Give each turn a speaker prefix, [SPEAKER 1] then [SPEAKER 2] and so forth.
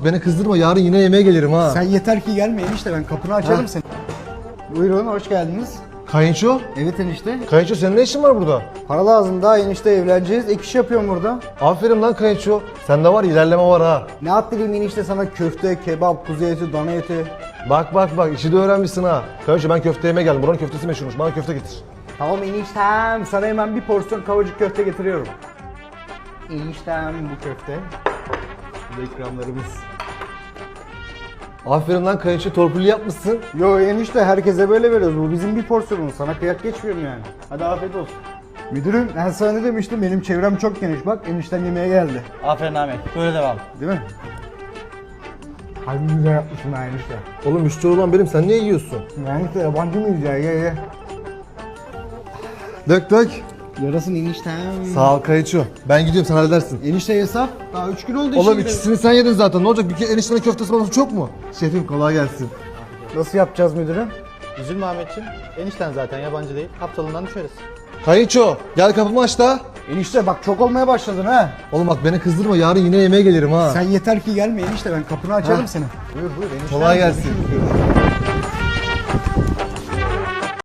[SPEAKER 1] beni kızdırma, yarın yine yemeğe gelirim ha.
[SPEAKER 2] Sen yeter ki gelme enişte, ben kapını açarım seni. Buyurun, hoş geldiniz.
[SPEAKER 1] Kayınço?
[SPEAKER 2] Evet enişte.
[SPEAKER 1] Kayınço senin ne işin var burada?
[SPEAKER 2] Para lazım, daha enişte evleneceğiz. Ek iş yapıyorum burada.
[SPEAKER 1] Aferin lan Kayınço. Sende var ilerleme var ha.
[SPEAKER 2] Ne attırayım enişte sana, köfte, kebap, kuzu eti, dana eti.
[SPEAKER 1] Bak işi de öğrenmişsin ha. Kayınço ben köfte yemeye geldim. Buranın köftesi meşhurmuş. Bana köfte getir.
[SPEAKER 2] Tamam eniştem, sana hemen bir porsiyon kavacık köfte getiriyorum. Eniştem bu köfte. Bu da ikramlarımız.
[SPEAKER 1] Aferin lan Kayınço, torpilli yapmışsın.
[SPEAKER 2] Yo enişte, herkese böyle veriyoruz. Bu bizim bir porsiyonumuz. Sana kıyak geçmiyorum yani. Hadi afiyet olsun. Müdürüm, ben sana ne demiştim? Benim çevrem çok geniş. Bak enişten yemeğe geldi.
[SPEAKER 3] Aferin Ahmet. Böyle devam.
[SPEAKER 2] Değil mi? Harbi güzel yapmışsın ha enişte.
[SPEAKER 1] Oğlum müşteri olan benim, sen niye yiyorsun?
[SPEAKER 2] Enişte yabancı mıyız ya? Ye.
[SPEAKER 1] Dök.
[SPEAKER 2] Yarasın eniştem.
[SPEAKER 1] Sağ ol Kayınço. Ben gidiyorum, sen halledersin.
[SPEAKER 2] Enişte hesap. Daha 3 gün oldu işe
[SPEAKER 1] Oğlum
[SPEAKER 2] gidelim.
[SPEAKER 1] ikisini sen yedin zaten. Ne olacak? Bir kere eniştenin köftesi bana çok mu? Şefim kolay gelsin.
[SPEAKER 2] Nasıl yapacağız müdürüm?
[SPEAKER 3] Üzülme Ahmetciğim. Enişten zaten yabancı değil. Aptalından düşeriz.
[SPEAKER 1] Kayınço gel kapımı aç da.
[SPEAKER 2] Enişte bak, çok olmaya başladın ha.
[SPEAKER 1] Oğlum bak beni kızdırma, yarın yine yemeğe gelirim ha.
[SPEAKER 2] Sen yeter ki gelme enişte, ben kapını açarım seni. Buyur enişte.
[SPEAKER 1] Kolay gelsin.
[SPEAKER 2] Görüşürüz.